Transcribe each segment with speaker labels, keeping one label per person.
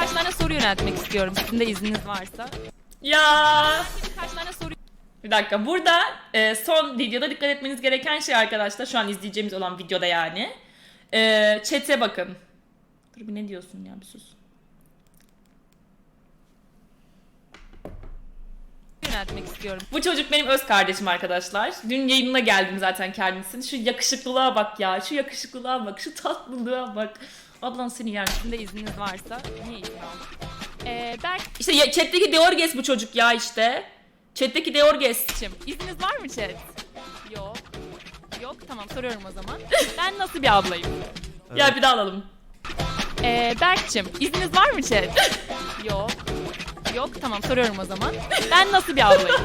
Speaker 1: birkaç tane soru yöneltmek istiyorum. Sizin de izniniz varsa.
Speaker 2: Ya
Speaker 1: Birkaç tane soru...
Speaker 2: bir dakika, burada son videoda dikkat etmeniz gereken şey arkadaşlar, şu an izleyeceğimiz olan videoda yani. Chat'e bakın. Dur bir, ne diyorsun ya, bir sus.
Speaker 1: yöneltmek istiyorum.
Speaker 2: Bu çocuk benim öz kardeşim arkadaşlar. Dün yayınına geldim zaten kendisinin. Şu yakışıklılığa bak ya. Şu yakışıklılığa bak. Şu tatlılığa bak. Ablan seni yer.
Speaker 1: Sizin de izniniz varsa. Niye izin aldın? Berk'cim,
Speaker 2: İşte chat'teki Deorges bu çocuk ya işte. Chat'teki Deorges.
Speaker 1: izniniz var mı chat? Yok. Yok, tamam, soruyorum o zaman. Ben nasıl bir ablayım?
Speaker 2: Ya bir daha alalım.
Speaker 1: Berk'cim, izniniz var mı chat? Yok. Yok, tamam, soruyorum o zaman. Ben nasıl bir ablayım?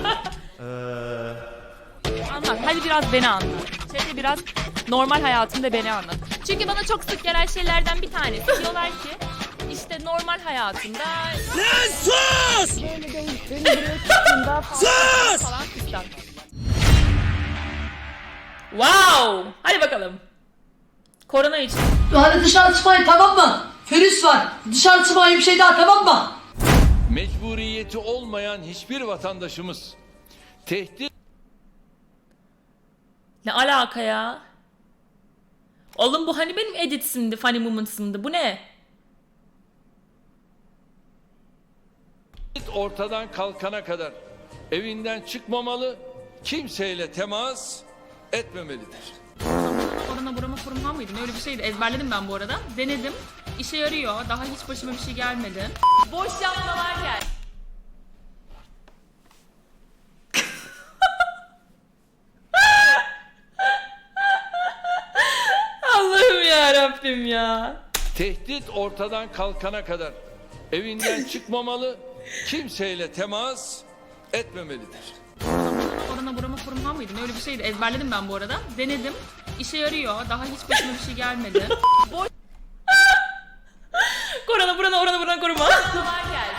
Speaker 1: Anlat, hadi biraz beni anlat. Chat'e biraz normal hayatımda beni anlat. Çünkü bana çok sık gelen şeylerden bir tanesi. Diyorlar ki, işte normal hayatımda...
Speaker 3: Sus!
Speaker 1: Böyle değil, beni buraya tuttuğunda falan, falan fistan.
Speaker 2: Wow! Hadi bakalım. Korona için.
Speaker 4: Hadi dışarı çıkmayın, tamam mı? Virüs var. Dışarı çıkmayın, bir şey daha, tamam mı?
Speaker 3: Mecburiyeti olmayan hiçbir vatandaşımız tehdit
Speaker 2: Ne alaka ya? Oğlum bu hani benim editsimdi, funny moments'ımdı. Bu ne?
Speaker 3: ortadan kalkana kadar evinden çıkmamalı, kimseyle temas etmemelidir.
Speaker 2: Korona burama kurumhan mıydı? Öyle bir şeydi. Ezberledim ben bu arada. Denedim. İşe yarıyor. Daha hiç başıma bir şey gelmedi.
Speaker 1: Boş yapmalar gel.
Speaker 2: Allah'ım ya Rabbim ya.
Speaker 3: Tehdit ortadan kalkana kadar evinden çıkmamalı, kimseyle temas etmemelidir.
Speaker 2: Korona burama kurumhan mıydı? Öyle bir şeydi. Ezberledim ben bu arada. Denedim. İşe yarıyor. Daha hiç başıma bir şey gelmedi. Korona burana koruma.
Speaker 1: Yapmalar gel.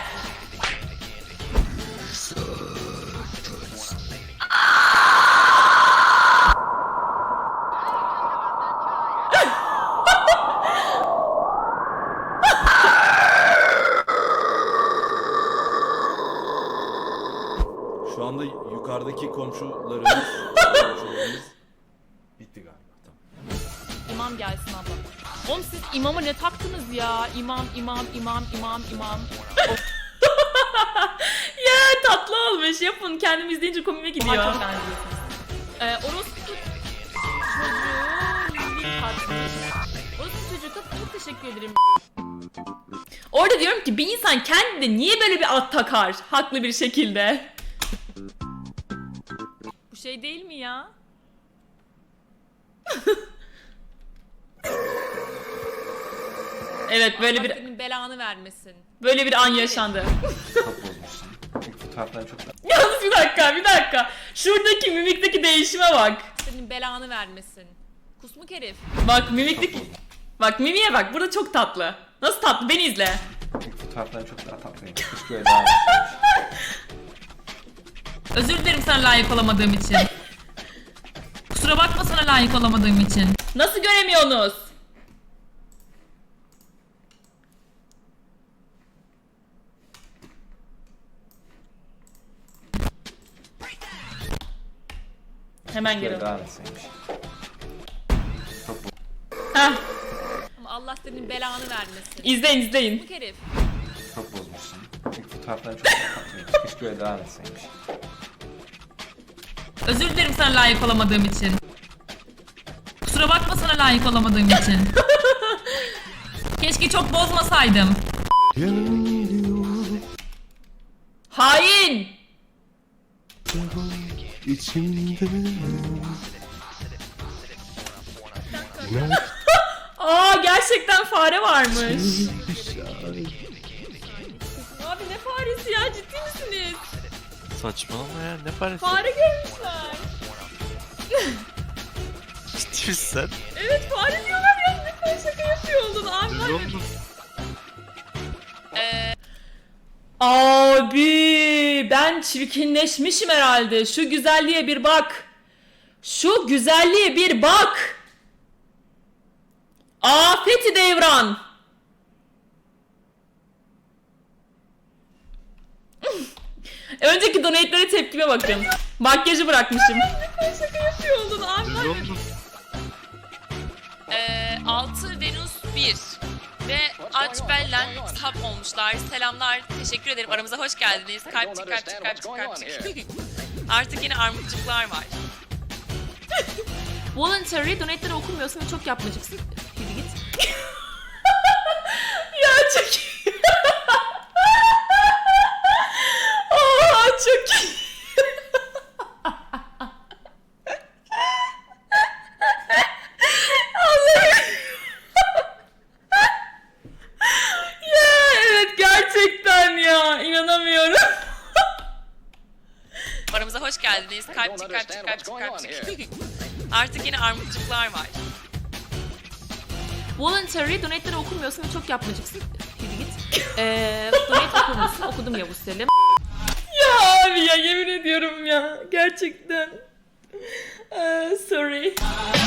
Speaker 5: Şu anda yukarıdaki komşularımız bitti galiba. Tamam.
Speaker 1: İmam gelsin abla. Oğlum siz imama ne taktınız ya? İmam.
Speaker 2: Ya tatlı olmuş. Yapın. Kendim izleyince komime gidiyor.
Speaker 1: Çok benziyorsunuz. Orospu çocuğu bir tatmış. Orospu çocuğu çok teşekkür ederim.
Speaker 2: Orada diyorum ki bir insan kendine niye böyle bir ad takar? Haklı bir şekilde.
Speaker 1: Bu şey değil mi ya?
Speaker 2: Evet, böyle
Speaker 1: Allah
Speaker 2: bir
Speaker 1: senin belanı vermesin.
Speaker 2: an yaşandı.
Speaker 5: Çok bozmuşsun. İlk fotoğraflar çok
Speaker 2: Yalnız bir dakika. Şuradaki mimikteki değişime bak.
Speaker 1: Senin belanı vermesin. Kusmuk herif.
Speaker 2: Bak mimikteki... Bak mimiye bak. Burada çok tatlı. Nasıl tatlı? Beni izle.
Speaker 5: İlk fotoğraflar çok daha tatlıydı. Keşke öyle daha
Speaker 2: Özür dilerim sana layık olamadığım için. Kusura bakma sana layık olamadığım için. Nasıl göremiyorsunuz? Hemen geri.
Speaker 5: daha nasılmış.
Speaker 2: Heh,
Speaker 1: Ama Allah senin belanı vermesin.
Speaker 2: izleyin.
Speaker 1: Kusmuk herif.
Speaker 5: Çok bozmuşsun. İlk fotoğraflar çok daha tatlıydı. Keşke öyle daha nasılmış.
Speaker 2: Özür dilerim sana layık olamadığım için. Kusura bakma sana layık olamadığım için. Keşke çok bozmasaydım. Hain! Aa, gerçekten fare varmış. Abi ne faresi ya, ciddi misiniz?
Speaker 6: Saçmalama ya, ne parası?
Speaker 2: Fare görmüşler.
Speaker 6: Ciddi misin sen?
Speaker 2: Evet, fare diyorlar ya, ne kadar şaka yapıyor oldun abi. var ya. Abi ben çirkinleşmişim herhalde. Şu güzelliğe bir bak. Şu güzelliğe bir bak. Afeti devran. Önceki donate'lere tepkime bakın. Makyajı bırakmışım. Şaka yapıyor oldun abi.
Speaker 1: 6 Venüs 1 ve Açbel'den sap olmuşlar. Selamlar. Teşekkür ederim. Aramıza hoş geldiniz. Kalpçik kalpçik kalpçik kalpçik. Artık yine armutçuklar var. Voluntary donate'leri okumuyorsun ve çok yapmacıksın. Yürü git.
Speaker 2: Ya çok iyi. Aa, çok iyi. Allah'ım. Ya evet gerçekten ya inanamıyorum.
Speaker 1: Aramıza hoş geldiniz. Kalpçik kalpçik kalpçik kalpçik. Artık yine armutçuklar var. Voluntary donate'leri okumuyorsun ve çok yapmacıksın. Yürü git. Donate okur musun? Okudum Yavuz Selim.
Speaker 2: Ya abi ya yemin ediyorum ya gerçekten. Sorry.